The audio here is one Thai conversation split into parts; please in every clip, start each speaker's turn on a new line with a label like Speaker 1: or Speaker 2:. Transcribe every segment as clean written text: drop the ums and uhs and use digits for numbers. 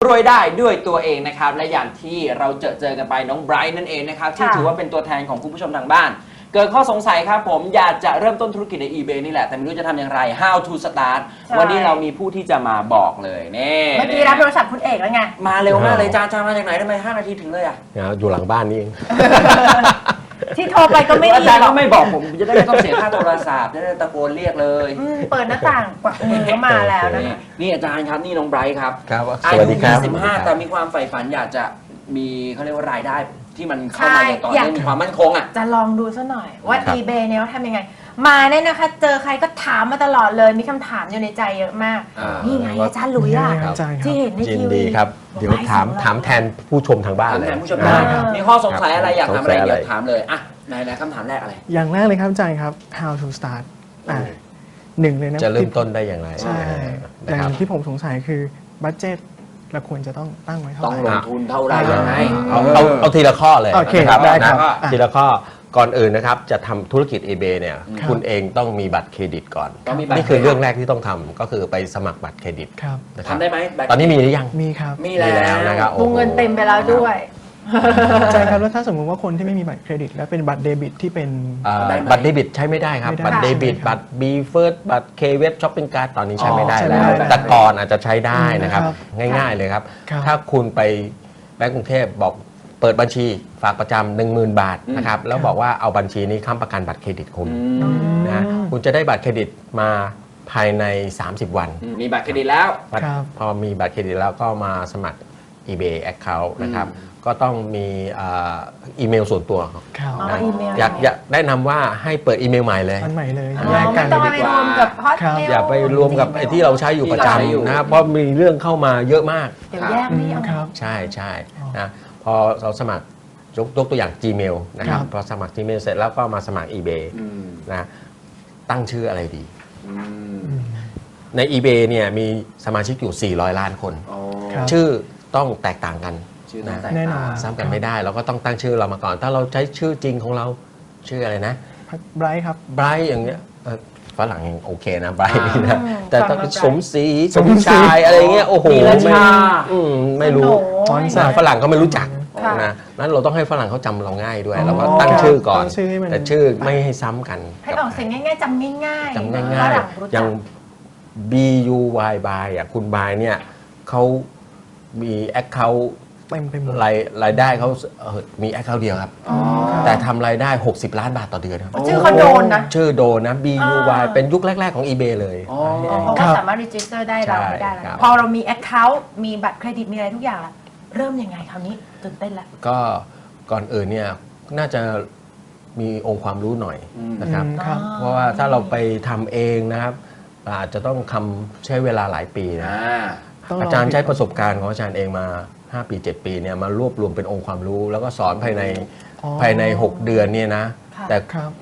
Speaker 1: รวยได้ด้วยตัวเองนะครับและอย่างที่เราเจอกันไปน้องไบรท์นั่นเองนะครับที่ถือว่าเป็นตัวแทนของคุณผู้ชมทางบ้านเกิดข้อสงสัยครับผมอยากจะเริ่มต้นธุรกิจใน eBay นี่แหละแต่ไม่รู้จะทำอย่างไร how to start วันนี้เรามีผู้ที่จะมาบอกเลยนี่
Speaker 2: เมื่อกี้รับโทรศัพท์คุณเอกแล้วไง
Speaker 1: มาเร็วมากเลยจ้ามาจากไหนทำไม5 นาทีถึงเลยอ่ะ
Speaker 3: อยู่หลังบ้านนี่เอง
Speaker 2: ที่โทรไปก็ไม่ดี
Speaker 1: อาจารย์ก็ไม่บอกผมจะได้ไม่ต้องเสียค่าโทรศัพท์จะได้ตะโกนเรียกเลย
Speaker 2: เปิดหน้าต่างกวักมือก็มาแล้วนะคะ
Speaker 1: นี่อาจารย์ครับนี่น้องไบรท์ครับ
Speaker 3: ครับ
Speaker 1: อา
Speaker 3: สวัสดีครับ
Speaker 1: ยุ25แต่มีความใฝ่ฝันอยากจะมีเขาเรียกว่ารายได้ที่มันเข้ามาอย่างต่อเนื่องมีความมั่นคงอ่ะ
Speaker 2: จะลองดูซะหน่อยว่า eBay เนี่ยเขาทำยังไงมาเนี่ยนะคะเจอใครก็ถามมาตลอดเลยมีคำถามอยู่ในใจเยอะมากนี่ไงอาจารย์หลุยส์ที่เห็นในทีวี
Speaker 3: ดีครับเดี๋ยวถามแทนผู้ชมทางบ้านเลย
Speaker 1: ผู้ชมได้มีข้อสงสัยอะไรอยากถามอะไรเดี๋ยวถามเลยอ่ะไหนคำถามแรกอะไร
Speaker 4: อย่างแรกเลยครับอาจารย์ครับ how to start หนึ่งเลยนะ
Speaker 3: จะเริ่มต้นได้อย่างไร
Speaker 4: ใช่อย่างที่ผมสงสัยคือบัดเจ็ตเราควรจะต้องตั้งไว้เท่าไหร่
Speaker 1: ต้องลงทุนเท่าไหร่ยังไง
Speaker 3: เอาทีละข้อเลย
Speaker 4: นะครับได้ครับ
Speaker 3: ทีละข้อก่อนอื่นนะครับจะทำธุรกิจ eBay เนี่ยคุณเองต้องมีบัตรเครดิตก่อนนี่คือเรื่องแรกที่ต้องทำก็คือไปสมัครบัตรเครดิต
Speaker 1: ทำได้ไหม
Speaker 3: ตอนนี้มีหรือยัง
Speaker 4: มีครับ
Speaker 1: มีแล้ว
Speaker 3: นะครับ
Speaker 2: วงเงินเต็มไปแล้วด้วย
Speaker 4: ใช่ครับแล้วถ้าสมมติว่าคนที่ไม่มีบัตรเครดิตและเป็นบัตรเดบิตที่เป็น
Speaker 3: บัตรเดบิตใช้ไม่ได้ครับบัตรเดบิตบัตรบีเฟิร์สบัตรเคเวสช้อปปิ้งการ์ดตอนนี้ใช้ไม่ได้แล้วแต่ก่อนอาจจะใช้ได้นะครับง่ายๆเลยครับถ้าคุณไปแบงก์กรุงเทพบอกเปิดบัญชีฝากประจำ 10,000 บาทนะครับแล้วบอกว่าเอาบัญชีนี้ค้ำประกันบัตรเครดิตคุณนะคุณจะได้บัตรเครดิตมาภายใน30 วัน
Speaker 1: มีบัตรเครดิตแล้ว
Speaker 3: พอมีบัตรเครดิตแล้วก็มาสมัคร eBay Account นะครับก็ต้องมีอีเมลส่วนตัวนะอยากแนะนำว่าให้เปิดอีเมลใหม่เลย
Speaker 4: ใหม่เลย
Speaker 2: ไม่ต้องไปรวมกับฮอตเมล
Speaker 3: อย่าไปรวมกับไอ้ที่เราใช้อยู่ประจำนะครับเพราะมีเรื่องเข้ามาเยอะมาก
Speaker 2: เดี๋ยวแยกไม่เอา
Speaker 3: ใช่นะพอเราสมัครยกตัวอย่าง Gmail นะครับพอสมัคร Gmail เสร็จแล้วก็มาสมัคร eBay นะตั้งชื่ออะไรดีใน eBay เนี่ยมีสมาชิกอยู่400 ล้านคนชื่อต้องแตกต่างกัน
Speaker 4: แน่นอน
Speaker 3: ซ้ำกันไม่ได้เราก็ต้องตั้งชื่อเรามาก่อนถ้าเราใช้ชื่อจริงของเราชื่ออะไรนะ
Speaker 4: ไบรท์ครับ
Speaker 3: ไบรท์อย่างเงี้ยฝรั่งยังโอเคนะไบรท์นี่นะแต่ต้องสมศรีสมชายอะไรเงี้ยโอ้โหไม่รู้ฝรั่งเขาไม่รู้จักนะนั้นเราต้องให้ฝรั่งเขาจำเราง่ายด้วยเราก็ตั้งชื่อก่อนแต่ชื่อไม่ให้ซ้ำกัน
Speaker 2: ให้ออกเสียงง่ายๆจำง่าย
Speaker 3: ๆอย่าง BUY บายอ่ะคุณบายเนี่ยเขามีแอคเคาท์
Speaker 4: เต็มไปหมด
Speaker 3: รายได้เขามีแอคเคาท์เดียวครับแต่ทำรายได้60 ล้านบาทต่อเดือนครับ
Speaker 2: ชื่อเขาโดนนะ
Speaker 3: ชื่อโดนนะ BUY เป็นยุคแรกๆของ eBay เลย
Speaker 2: เขาก็สามารถรีจิสเตอร์ได้เราไม่ได้แล้วพอเรามีแอคเคาท์มีบัตรเครดิตมีอะไรทุกอย่างแล้วเริ่มยังไงคราวนี้ตื่นเต้นละ
Speaker 3: ก็ก่อนอื่นเนี่ยน่าจะมีองค์ความรู้หน่อยนะครับเพราะว่าถ้าเราไปทำเองนะครับอาจจะต้องใช้เวลาหลายปีนะอาจารย์ใช้ประสบการณ์ของอาจารย์เองมา5 ปี 7 ปีเนี่ยมารวบรวมเป็นองค์ความรู้แล้วก็สอนภายใน6 เดือนเนี่ยนะแต่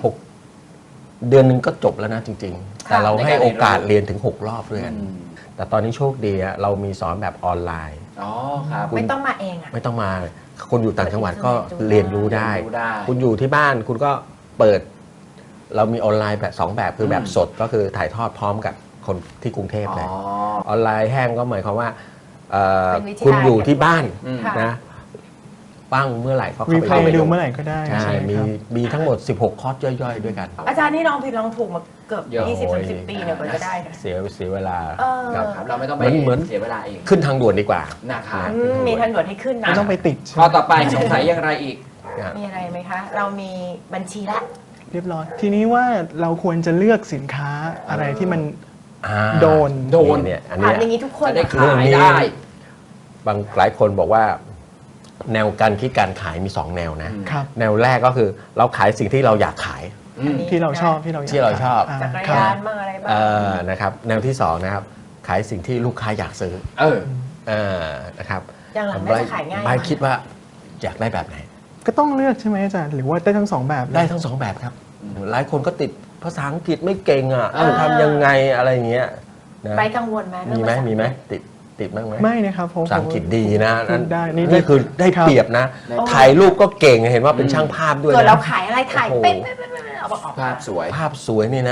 Speaker 3: 6 เดือนนึงก็จบแล้วนะจริงๆแต่เราให้โอกาสเรียนถึง6 รอบด้วยกันแต่ตอนนี้โชคดีเรามีสอนแบบออนไลน์
Speaker 2: ไม่ต้องมาเอง
Speaker 3: ไม่ต้องมาคนอยู่ต่างจังหวัดก็เรียนรู้ได้คุณอยู่ที่บ้านคุณก็เปิดเรามีออนไลน์แบบ2 แบบคือแบบสดก็คือถ่ายทอดพร้อมกับคนที่กรุงเทพเลยออนไลน์แห้งก็หมายความว่าคุณอยู่ที่บ้านนะปั้งเมื่อไหร่ก็เข้า
Speaker 4: ไปดูเมื่อไหร่ก็ได้
Speaker 3: ใช่มีทั้งหมด16 คอร์สย่อยๆด้วยกัน
Speaker 2: อาจารย์นี่ลองผิดลองถูกมาเกือบ20-30 ปีเนี่ยกว่าจะได้
Speaker 3: เสียเวลา
Speaker 1: เราไม่ต้องไปเสียเวลาเอง
Speaker 3: ขึ้นทางด่วนดีกว่า
Speaker 2: นะคะมีทางด่วนให้ขึ้นนะ
Speaker 4: ไม่ต้องไปติด
Speaker 1: ข้อต่อไปสงสัยอย่างไรอีก
Speaker 2: มีอะไรไหมคะเรามีบัญชีละ
Speaker 4: เรียบร้อยทีนี้ว่าเราควรจะเลือกสินค้าอะไรที่มันโดน
Speaker 3: เนี่ยอัน
Speaker 2: นี้อย่างนี้ทุกคน
Speaker 1: ได้ขายได้
Speaker 3: หลายคนบอกว่าแนวการคิดการขายมี2 แนวนะแนวแรกก็คือเราขายสิ่งที่เราอยากขาย
Speaker 4: ที่เราชอบ
Speaker 3: ที่เราชอบ
Speaker 2: จักรยานบ้างอะไรบ้าง
Speaker 3: นะครับแนวที่2นะครับขายสิ่งที่ลูกค้าอยากซื้อนะครับ
Speaker 2: อย่างหลังได้ขายง่าย
Speaker 3: ไม่คิดว่าอยากได้แบบไหน
Speaker 4: ก็ต้องเลือกใช่ไหมอาจารย์หรือว่าได้ทั้ง2 แบบ
Speaker 3: ได้ทั้ง2 แบบครับหลายคนก็ติดภาษาอังกฤษไม่เก่งทำยังไงอะไรเงี้ย
Speaker 2: ไปกังวลไหม
Speaker 3: มีไหมติดบ้างไหม
Speaker 4: ไม่นะครับ
Speaker 3: ภาษาอังกฤษดีนะนี่คือได้เปรียบนะถ่ายรูปก็เก่งเห็นว่าเป็นช่างภาพด้วย
Speaker 2: เกิดเราขายอะไรถ่ายเป็น
Speaker 1: ภาพสวย
Speaker 3: นี่นะ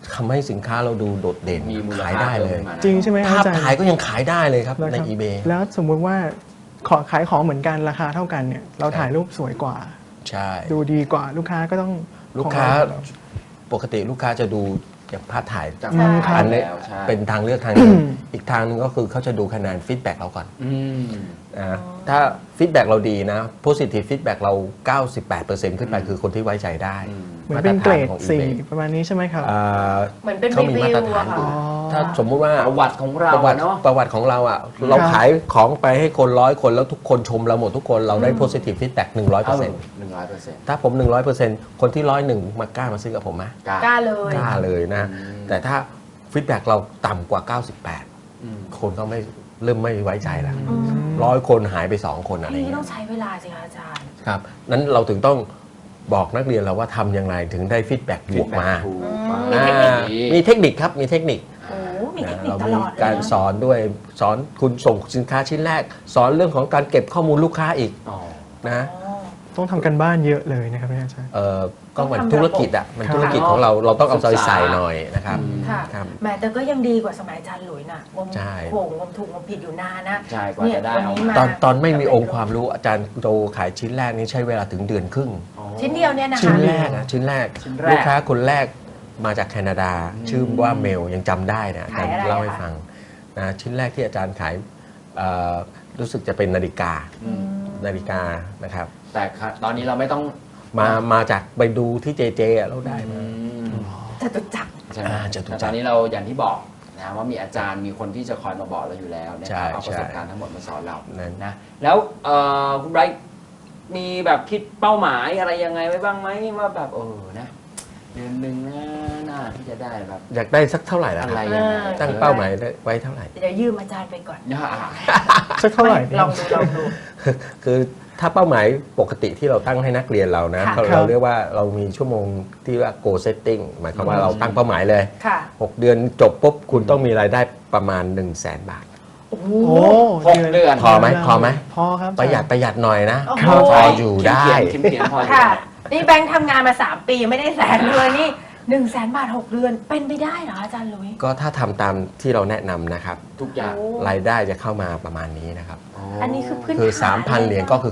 Speaker 3: ทำให้สินค้าเราดูโดดเด่น
Speaker 1: มีมูล
Speaker 3: ขาย
Speaker 1: ค่า
Speaker 3: ได้เลย
Speaker 1: พิ่มขึ้นมานะ
Speaker 4: จริงใช่ไหมครับ
Speaker 3: ภาพ
Speaker 4: อาจารย์
Speaker 3: ถ่ายก็ยังขายได้เลยครับ
Speaker 4: แล้ว
Speaker 3: ใน
Speaker 4: ครับ
Speaker 3: eBay
Speaker 4: แล้วสมมุติว่าขายของเหมือนกันราคาเท่ากันเนี่ยเราถ่ายรูปสวยกว่า
Speaker 3: ใช่
Speaker 4: ดูดีกว่าลูกค้าก็ต้อง
Speaker 3: ลูกค้า
Speaker 4: ของเร
Speaker 3: ปกติลูกค้าจะดูจากภาพถ่าย
Speaker 1: จาก
Speaker 2: ใช่
Speaker 1: ภาพ
Speaker 3: อันนี้
Speaker 1: แล้วใช่
Speaker 3: เป็นทางเลือกทางหนึงอีกทางหนึงก็คือเขาจะดูคะแนนฟีดแบ็กเราก่อน
Speaker 1: อืม
Speaker 3: นะถ้าฟีดแบ็กเราดีนะ positive feedback เรา 98%ขึ้นไปคือคนที่ไว้ใจได้
Speaker 4: เหมือนเป็นเกรด
Speaker 3: มาตฐานของ
Speaker 4: สี่
Speaker 3: eBay
Speaker 4: ประมาณนี้ใช่ไหมครับ
Speaker 3: อ่า
Speaker 2: เหมือนเป็น
Speaker 3: เขา
Speaker 2: รี
Speaker 3: มี
Speaker 2: วิ
Speaker 3: มาตร
Speaker 2: ว
Speaker 3: ฐา
Speaker 2: อะ
Speaker 3: น
Speaker 2: ค่ะ
Speaker 3: อยู่ถ้าสมมุติว่า
Speaker 1: ประวัติของเรา
Speaker 3: ประวัติ
Speaker 1: เนาะ
Speaker 3: ประวัติของเราอ่ะเราขายของไปให้คน100 คนแล้วทุกคนชมเราหมดทุกคนเราได้ positive feedback 100%
Speaker 1: 100%
Speaker 3: ถ้าผม 100%คนที่101มากล้ามาซื้อกับผมไหม
Speaker 2: กล้าเลย
Speaker 3: กล้าเลยนะ แต่ถ้าฟีดแบ็กเราต่ำกว่า
Speaker 1: อืม
Speaker 3: 98 คนก็ไม่เริ่มไม่ไว้ใจแล้ว
Speaker 2: อืม
Speaker 3: 100 คนหายไป 2 คนอะไร
Speaker 2: อันนี้
Speaker 3: เงี้
Speaker 2: ต้อย งใช้เวลาสิคะอาจารย์
Speaker 3: ครับนั้นเราถึงต้องบอกนักเรียนเราว่าทำยังไงถึงได้ฟีดแบ็กบวกมา
Speaker 1: ถูก
Speaker 2: มี
Speaker 3: อ่า
Speaker 1: มีเทคนิค
Speaker 3: มีเทคนิคครับมีเทคนิค
Speaker 2: โอ้มีเทคนิค
Speaker 3: เรา
Speaker 2: ต
Speaker 3: มี
Speaker 2: ลอดเลย
Speaker 3: การ
Speaker 2: นะ
Speaker 3: สอนด้วยสอนคุณส่งสินค้าชิ้นแรก สอนเรื่องของการเก็บข้อมูลลูกค้าอีก
Speaker 1: อ๋อ
Speaker 3: นะ
Speaker 2: อ๋อ
Speaker 4: ต้องทำกันบ้านเยอะเลยนะครับอาจารย์
Speaker 3: ก็เหมือน
Speaker 2: ต้องทำ
Speaker 3: ธุรกิจอ่ะมัน
Speaker 4: ครับ
Speaker 3: ธุรกิจของเราต้องเอาใจ
Speaker 1: ศึกษา
Speaker 3: ใส่หน่อยนะครับ
Speaker 2: ค่ะ
Speaker 3: ครับ
Speaker 2: แหมแต่ก็ยังดีกว่าสมัยอาจารย์หลุยน่ะงม
Speaker 3: ใช่
Speaker 2: โขงงมถูกงมผิดอยู่นานนะ
Speaker 1: ใช่กว่า
Speaker 2: เนี่ย
Speaker 1: จะได้
Speaker 2: วัน
Speaker 1: เอา
Speaker 2: นี้
Speaker 1: มา
Speaker 2: มา
Speaker 3: ตอนไม่มีองค์ความรู้อาจารย์โตขายชิ้นแรกนี้ใช้เวลาถึงเดือนครึ่ง
Speaker 2: ชิ้นเดียวเนี่ยนะคะ
Speaker 3: ชิ้นแรกนะชิ้นแรก
Speaker 1: ชิ้นแรก
Speaker 3: ลูกค้าคนแรกมาจากแคนาดา ชื่อว่าเมลยังจำได้นะอาจารย์
Speaker 2: ขายอะไร
Speaker 3: เล่าให้
Speaker 2: อะคะ
Speaker 3: ฟังนะชิ้นแรกที่อาจารย์ขายรู้สึกจะเป็นนาฬิกา
Speaker 1: อืม
Speaker 3: นาฬิกานะครับ
Speaker 1: แต่ตอนนี้เราไม่ต้อง
Speaker 3: มาจากไปดูที่เจเจเราได้มา
Speaker 2: จตุจักร
Speaker 1: ใช่ไหม
Speaker 3: จตุจักร
Speaker 1: แต่ตอนนี้เราอย่างที่บอกนะว่ามีอาจารย์มีคนที่จะคอยมาบอกเราอยู่แล้วนะ
Speaker 3: ใช่
Speaker 1: ครับเอาประสบ
Speaker 3: ใช่
Speaker 1: การณ์ทั้งหมดมาสอนเรา
Speaker 3: นั่น
Speaker 1: นะแล้วคุณไบรท์มีแบบคิดเป้าหมายอะไรยังไงไว้บ้างไหมว่าแบบนะเดือนหนึ่งน่าที่จะได้แบบ
Speaker 3: อยากได้สักเท่าไหร่ล่ะ
Speaker 1: อะไร
Speaker 3: ครับ
Speaker 1: ยังไง
Speaker 3: ตั้งเป้าหมายไว้เท่าไหร่
Speaker 2: เดี๋ยวยืมอาจารย์ไปก่อน
Speaker 1: เนี่ย
Speaker 4: สักเท่าไหร่
Speaker 2: ลองดู
Speaker 3: คือถ้าเป้าหมายปกติที่เราตั้งให้นักเรียนเรานะ
Speaker 2: ค่ะ
Speaker 3: เราเรียกว่าเรามีชั่วโมงที่ว่า goal setting หมายความว่าเราตั้งเป้าหมายเลย
Speaker 2: ค่ะ
Speaker 3: 6 เดือนจบปุ๊บคุณต้องมีรายได้ประมาณ 1 0 0 0 0แบาท
Speaker 2: โอ้โห
Speaker 4: โอ้
Speaker 1: 6 เดือน
Speaker 3: พอไหมพอไหม
Speaker 4: พอครับ
Speaker 3: ประหยัดหน่อยนะ
Speaker 2: โอ้โห
Speaker 3: พออยู่ได้
Speaker 1: เขียนพออยู่
Speaker 2: ค่ะ นี่แบงค์ทำงานมา 3 ปียังไม่ได้แสนเลยนี่100,000 บาท 6 เดือน เป็นไปได้เหรออาจารย์หลุย
Speaker 3: ก็ถ้าทำตามที่เราแนะนำนะครับ
Speaker 1: ทุกอย่าง
Speaker 2: โอ้
Speaker 3: รายได้จะเข้ามาประมาณนี้นะครับ
Speaker 2: อันนี้คือพื้น
Speaker 3: คือ
Speaker 2: ฐาน
Speaker 3: 3,000 เหรียญก็คือ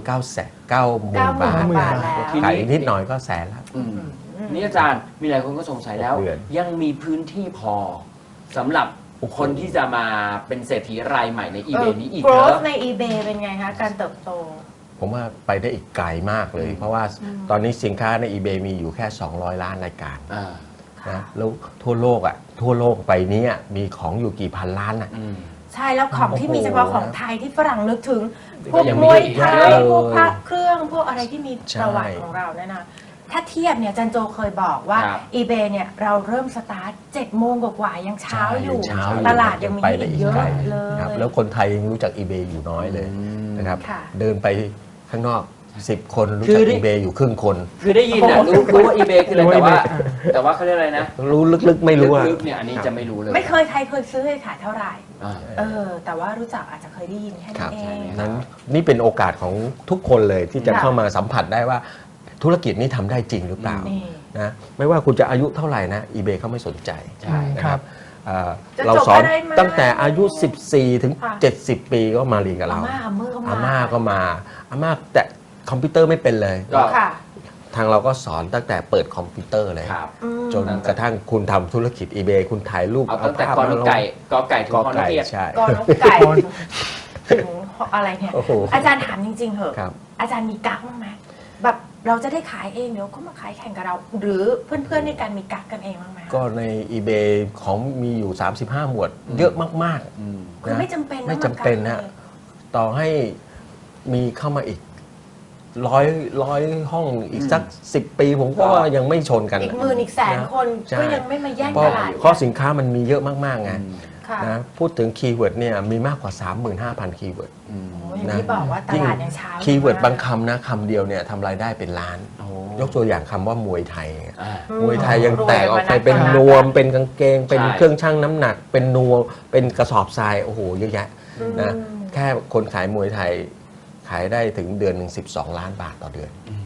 Speaker 3: 90,000 บาท
Speaker 2: 90,000 บาทแล้ว
Speaker 3: ขายนิดหน่อยก็แสนละ
Speaker 1: อืมนี่อาจารย์มีหลายคนก็สงสัยแล้ว
Speaker 3: 6 เดือน
Speaker 1: ยังมีพื้นที่พอสำหรับคนที่จะมาเป็นเศรษฐีรายใหม่ใน eBay นี้อีกเหรอ
Speaker 2: growth ใน eBay เป็นไงคะ การเติบโต
Speaker 3: ผมว่าไปได้อีกไกลมากเลย เพราะว่าตอนนี้สินค้าใน eBay มีอยู่แค่ 200 ล้านรายการ
Speaker 1: อ่า
Speaker 3: นะแล้วทั่วโลกไปเนี้มีของอยู่กี่พันล้านอ่ะ
Speaker 1: อืม
Speaker 2: ใช่แล้วของที่มี
Speaker 3: โอ้โห
Speaker 2: เฉพาะของไทยที่ฝรั่งนึกถึง พ
Speaker 1: ก็
Speaker 2: วก
Speaker 1: ยัง
Speaker 2: ม
Speaker 1: มี
Speaker 2: วย
Speaker 1: อีก
Speaker 2: ไท
Speaker 1: เย
Speaker 2: ย
Speaker 1: อะ
Speaker 2: พวกพระเครื่องพวกอะไรที่มี
Speaker 3: ใช่
Speaker 2: ประวัติของเราเนี่ยนะ ถ้าเทียบเนี่ยจันโจเคยบอกว่า
Speaker 1: ครับ
Speaker 2: eBay เนี่ยเราเริ่มสตาร์ท7 โมงกว่าๆยังเช้าอยู่
Speaker 3: ใช่
Speaker 2: ตลาดยังมี
Speaker 3: ไป
Speaker 2: ให้
Speaker 3: ได้
Speaker 2: อีก
Speaker 3: อีก
Speaker 2: เยอะ
Speaker 3: ไกล
Speaker 2: เลย
Speaker 3: ครับแล้วคนไทยยังรู้จัก eBay อยู่น้อยเลยนะครับ
Speaker 2: ค่ะ
Speaker 3: เดินไปข้างนอก10 คนรู้
Speaker 1: คื
Speaker 3: จัก
Speaker 1: อได้
Speaker 3: eBay อยู่ครึ่งคน
Speaker 1: คือได้ยินนะรู้ว่า eBay คืออะไรแต่ว่าเขาเรียกอะไรนะ
Speaker 3: รู้ลึกๆไม่รู้อะ
Speaker 1: ลึกๆเนี่ยอันนี้จะไม่รู้เลย
Speaker 2: ไม่เคยใครเคยซื้อเคยขายเท่าไหร่
Speaker 1: อ่า
Speaker 2: แต่ว่ารู้จักอาจจะเคยได้ยินแค่
Speaker 3: ครั
Speaker 2: นั้
Speaker 3: บ
Speaker 2: นเอ
Speaker 1: ใช่
Speaker 2: ง
Speaker 1: ไหม
Speaker 3: นั้นนี่เป็นโอกาสของทุกคนเลยที่จะ
Speaker 2: ค่ะ
Speaker 3: เข้ามาสัมผัสได้ว่าธุรกิจนี้ทำได้จริงหรือเปล่า
Speaker 2: นี่
Speaker 3: นะไม่ว่าคุณจะอายุเท่าไหร่นะ eBay เขาไม่สนใจ
Speaker 1: ใช่
Speaker 3: นะครับ
Speaker 2: จะ
Speaker 3: เรา
Speaker 2: จบ
Speaker 3: สอน
Speaker 2: ก็ได้มา
Speaker 3: ตั้งแต่อายุ 14 ถึง
Speaker 2: ค่ะ
Speaker 3: 70 ปีก็มาเรียนกับ
Speaker 2: อา
Speaker 3: เรา
Speaker 2: ม่าอาเมื่อก็
Speaker 3: อาม่าก็มาอาม่าแต่คอมพิวเตอร์ไม่เป็นเลย
Speaker 1: ก็
Speaker 2: ค่ะ
Speaker 3: ทางเราก็สอนตั้งแต่เปิดคอมพิวเตอร์เลย
Speaker 1: ครับ
Speaker 2: อืม
Speaker 3: จนกระทั่งคุณทำธุรกิจ eBay คุณถ่ายรูป
Speaker 1: เอาตั้งแต่
Speaker 3: ภาพ
Speaker 1: กอ
Speaker 3: มา
Speaker 1: น
Speaker 3: ลง
Speaker 1: ไก่กอไก่ถึง
Speaker 3: ก
Speaker 1: คอน
Speaker 3: ไก่
Speaker 1: เกียร
Speaker 3: ใช่
Speaker 2: ก่อนนกไก่ถึงอะไรเนี่ย
Speaker 3: โอ้โห
Speaker 2: อาจารย์ถามจริงๆเหอะ
Speaker 3: ครับ
Speaker 2: อาจารย์มีกั๊กบ้างไหมแบบเราจะได้ขายเองเดี๋ยวก็มาขายแข่งกับเรา หรือเพื่อนๆในการมีกั๊กกันเองบ้างไหม
Speaker 3: ก็ใน eBay ของมีอยู่ 35 หมวด เยอะมาก
Speaker 1: อืม
Speaker 3: ๆ
Speaker 2: คือไม่จำเป็น
Speaker 3: ไม่
Speaker 2: ต้อง
Speaker 3: จำเป็น
Speaker 2: มากั๊ก
Speaker 3: นะ
Speaker 2: ลย
Speaker 3: ต่อให้มีเข้ามาอีกร้อยห้องอีกสัก 10 ปีผมก็ว่ายังไม่ชนกัน
Speaker 2: อีกหมื่นอีกแสนคน
Speaker 3: ใช่
Speaker 2: ก็ยังไม่มาแย่ง
Speaker 3: เพ
Speaker 2: ต
Speaker 3: ราะ
Speaker 2: ลาด
Speaker 3: ข้อสินค้ามันมีเยอะมากๆไง
Speaker 2: ค่ะ
Speaker 3: นะพูดถึงคีย์เวิร์ดเนี่ยมีมากกว่า 35,000 คีย์เวิร์ด
Speaker 1: อืม
Speaker 2: โอ้ยอย่างที่บอกว่าตลาดยังเช้า
Speaker 3: คีย์เวิร์ด
Speaker 2: มก
Speaker 3: บางคำนะคำเดียวเนี่ยทำรายได้เป็นล้าน
Speaker 1: โอ้
Speaker 3: ยกตัวอย่างคำว่ามวยไทย
Speaker 1: อ่า
Speaker 3: มวยไทยยังแตกออกไปเป็นนวม เป็นกางเกง เป็นเครื่องชั่งน้ำหนัก เป็นนวมเป็นกระสอบทรายโอ้โหเยอะแยะนะแค่คนขายมวยไทยขายได้ถึงเดือนหนึ่ง12 ล้านบาทต่อเดือน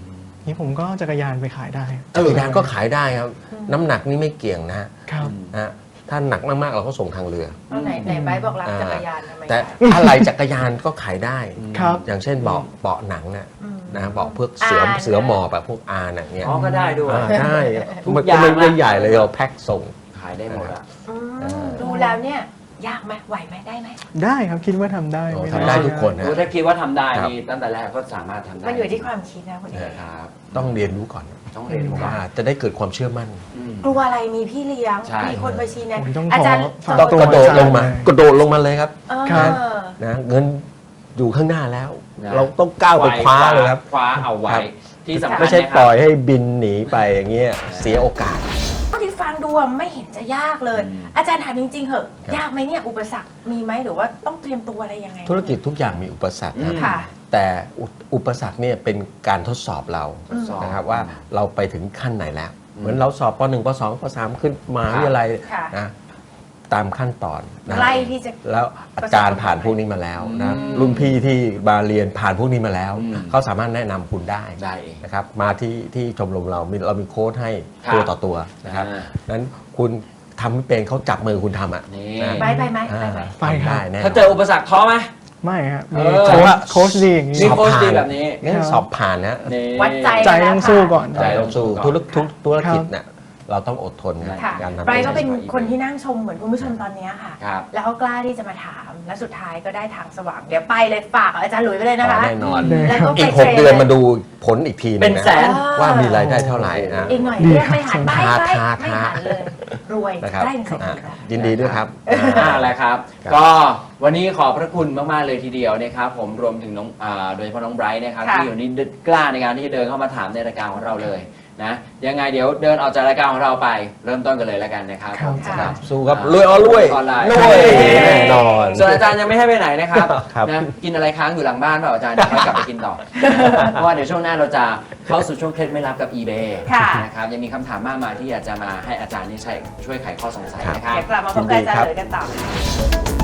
Speaker 4: นี่ผมก็จักรยานไปขายได้
Speaker 3: จักรยานก็ขายได้ครับ น้ำหนักนี่ไม่เกี่ยงนะ
Speaker 4: ครับ
Speaker 3: นะ ถ้าหนักมากๆเราก็ส่งทางเรือ
Speaker 2: เอาไหนไบร์ทบอกรักจักรยานทำไม
Speaker 3: แต่
Speaker 2: คะ
Speaker 3: อะไรจักรยานก็ขายได้
Speaker 4: ครับ
Speaker 3: อย่างเช่นเบาะหนังน่ะ
Speaker 2: อืม
Speaker 3: นะเบาะพวก
Speaker 2: อ่า
Speaker 3: เสือหมอบแบบพวกอาร์น่ะเนี่ย
Speaker 1: อ๋อก็ได้ด้วย
Speaker 3: ได้
Speaker 1: ทุก
Speaker 3: มัน
Speaker 1: อ
Speaker 3: ก็
Speaker 1: ย่าง
Speaker 3: ไม่
Speaker 1: นะ
Speaker 3: ใหญ่เลยเราแพ็คส่ง
Speaker 1: ขายได้หมดอะ
Speaker 2: ดูแล้วเนี่ยยากไหมไหวไหมได้ไหม
Speaker 4: ได้ครับคิดว่าทำได้
Speaker 3: โอ้
Speaker 4: ม่
Speaker 3: ทำได้ทุกคนนะ
Speaker 1: ถ้าคิดว่าทำได้
Speaker 3: ครับ
Speaker 1: นี่ตั้งแต่แรกก็สามารถทำได้
Speaker 2: มันอยู่ที่ความคิดนะคุณเอก
Speaker 1: ครับ
Speaker 3: ต้องเรียนรู้ก่อน
Speaker 1: ต้องเรียนรู้ก่อน
Speaker 3: ว่าจะได้เกิดความเชื่อมั่น
Speaker 1: อืม
Speaker 2: กลัวอะไรมีพี่เลี้ยง
Speaker 1: ใช่
Speaker 2: มีคนไปชี้แนะ
Speaker 4: ผมต้อง
Speaker 2: อาจารย์
Speaker 4: ขอฝาก
Speaker 3: ต้อง
Speaker 4: ตัว
Speaker 3: กระโดดลงมา
Speaker 4: ใช่
Speaker 3: กระโดดลงมาเลยครับ
Speaker 2: เออ
Speaker 4: ครับ
Speaker 3: นะเงินอยู่ข้างหน้าแล้ว
Speaker 1: นะ
Speaker 3: เราต้องก้าวไปคว้าเลยครับ
Speaker 1: คว้าเอาไว้
Speaker 3: ครับ
Speaker 1: ที่สำคัญ
Speaker 3: ไม่ใช่
Speaker 1: นะค
Speaker 3: ป
Speaker 1: รับ
Speaker 3: ล่อยให้บินหนีไปอย่างเงี้ยเสียโอกาส
Speaker 2: เท่าที่ฟังดูอะไม่เห็นจะยากเลย อาจารย์ถามจริงๆเหอะ
Speaker 3: ครับ
Speaker 2: ยากไหมเนี่ยอุปสรรคมีไหมหรือว่าต้องเตรียมตัวอะไรยังไง
Speaker 3: ธุรกิจทุกอย่างมีอุปสรรคครับ
Speaker 2: ค่ะ
Speaker 3: แต่อุปสรรคเนี่ยเป็นการทดสอบเรา
Speaker 1: สอบ
Speaker 3: นะครับว่าเราไปถึงขั้นไหนแล้ว เหมือนเราสอบป .1 ป .2 ป .3 ขึ้นมหาวิทยาลัย
Speaker 2: ค่ะ
Speaker 3: นะตามขั้นตอนนะ
Speaker 2: ใกล้ที่จะ
Speaker 3: แล้วอาจารย์ผ่านพวกนี้มาแล้วนะรุ่นพี่ที่มาเรียนผ่านพวกนี้มาแล้ว เขาสามารถแนะนำคุณได้
Speaker 1: ได้เอง
Speaker 3: นะครับมาที่ชมรมเรามีโค้ดให้
Speaker 1: ครับ
Speaker 3: ตัวต่อตัวนะครับ
Speaker 1: อ่า
Speaker 3: นั้นคุณทำไม่เป็นเขาจับมือคุณทำอ่ะ
Speaker 1: นี่
Speaker 3: นะ
Speaker 2: ไปไหม
Speaker 3: อ่า
Speaker 2: ไปไหม
Speaker 4: ไปครับ
Speaker 3: ได้แน่นอน
Speaker 1: ถ้าเจออุปสรรคท้อไหม
Speaker 4: ไม่ครับ
Speaker 1: เอ
Speaker 4: มี
Speaker 1: อ
Speaker 4: โค้ชดีอย่างนี้
Speaker 1: มีโค้ชดีแบบนี้
Speaker 3: งั้นสอบผ่านนะ
Speaker 1: นี่
Speaker 2: วัดใจ
Speaker 4: ใจต้องสู้ก่อน
Speaker 3: ใจต้องสู้
Speaker 1: ก่อน
Speaker 3: ธุรกิจเนี่ยเราต้องอดทนกับ
Speaker 2: ค่ะ
Speaker 3: การทำ
Speaker 2: ไบรท์ก็เป็น
Speaker 1: ธุรกิจ
Speaker 2: คนที่นั่งชมเหมือนคุณผู้ชมตอนเนี้ยค่ะ
Speaker 1: ครับ
Speaker 2: แล้วเขากล้าที่จะมาถาม และสุดท้ายก็ได้ทางสว่าง เดี๋ยวไปเลยฝากอาจารย์หลุยส์ไปเลยนะคะ
Speaker 3: แน่นอน
Speaker 2: แล้วก็ไป
Speaker 3: อีก
Speaker 2: ทร
Speaker 3: 6 เดือนมาดูผลอีกทีหนึ
Speaker 1: เป็น
Speaker 3: งนะ
Speaker 1: แสน
Speaker 3: ว่ามีรายได้เท่าไหร่นะ
Speaker 2: อีกหน่อย
Speaker 4: ดี
Speaker 2: เรียก
Speaker 4: ครับ
Speaker 2: ไม่หันไป
Speaker 3: ท้า
Speaker 2: ไป
Speaker 3: ท้า
Speaker 2: ไม่หันเลย รวย
Speaker 3: นะครับ
Speaker 2: ได้เสร็จ
Speaker 3: อ่ะ
Speaker 2: แล้ว
Speaker 3: ยินดีด้วยครับ
Speaker 1: นั่นแหละครับ
Speaker 3: ครับ
Speaker 1: ก็วันนี้ขอบพระคุณมาก ๆ เลยทีเดียวนะครับผมรวมถึงน้องโดยเฉพาะน้องไบรท์นะครับ
Speaker 2: ค่ะ
Speaker 1: ที่อยู่นี่กล้าในการที่จะเดินเข้ามาถามในรายการของเราเลยนะยังไงเดี๋ยวเดินออกจากรายการของเราไปเริ่มต้นกันเลยแล้วกันนะครับ
Speaker 4: ครับ
Speaker 1: ผมสำหรับ
Speaker 3: สู้ครับรวยอ๋อรวย
Speaker 1: ออนไลน์
Speaker 3: รวยแน่นอน
Speaker 1: ส่วนอาจารย์ยังไม่ให้ไปไหนนะครับ
Speaker 3: ครับ
Speaker 1: นะกินอะไรค้างอยู่หลังบ้านเปล่าอาจารย์เดี๋ยวค่อยกลับไปกินต่อ เพราะว่าเดี๋ยวช่วงหน้าเราจะเข้าสู่ช่วงเคล็ดไม่ลับกับ eBay
Speaker 2: ค่ะ
Speaker 1: นะครับยังมีคำถามมากมายที่อยากจะมาให้อาจารย์นี่ช่วยไขข้อสงสัยนะครับ
Speaker 2: เดี๋ยวกลับมาพบกับอาจารย์หลุยส์กันต่อ